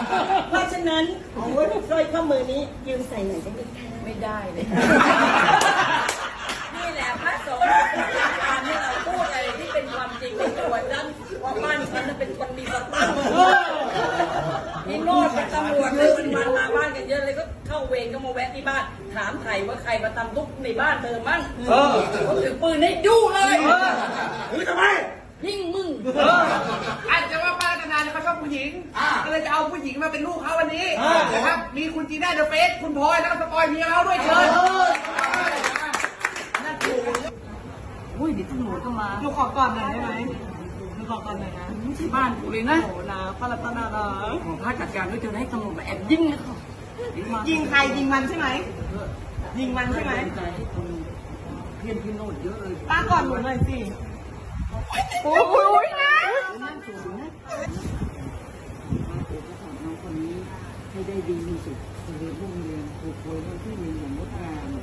เพราะฉะนั้นสร้อยข้อมือนี้ยืมใส่หน่อยได้ไหมคะไม่ได้เลยนี่แหละพระสงฆ์การที่เราพูดอะไรที่เป็นความจริงในตัวฉันว่าบ้านฉันเป็นคนมีสตังค์นี่โน่นเป็นตำรวจเลยมันมาบ้านกันเยอะเลยก็เข้าเวรก็มาแวะที่บ้านถามไถ่ว่าใครมาทำทุกในบ้านเธอมั่งเขาถือปืนให้ยู่เลยถือทำไมยิ่งมึงอาจจะว่าป้าธนาเนี่ยเขาชอบผู้หญิงก็เลยจะเอาผู้หญิงมาเป็นลูกเขาวันนี้นะครับมีคุณจีน่าเดอะเฟสคุณพลอยแล้วก็สปอยเมียเขาด้วยเชิญนั่นถูกอุ้ยเดี๋ยวตำรวจก็มาหนูขอก่อนหน่อยได้ไหมหนูขอก่อนหน่อยนะไม่ใช่บ้านกูเลยนะโอ้นะป้ารัตนานะขอพระจัดการด้วยเธอให้ตำรวจมาแอบยิงเลยค่ะยิงใครยิงมันใช่ไหมยิงมันใช่ไหมเพื่อนพี่โน้ตเยอะเลยป้าก่อนหนูหน่อยสิโอ้ยนะนั่งสูงนะมาโอ้ก็สอนน้องคนนี้ให้ได้ดีที่สุดเรียนรุ่งเรียนถูกหวยวันที่1อย่างงดงาม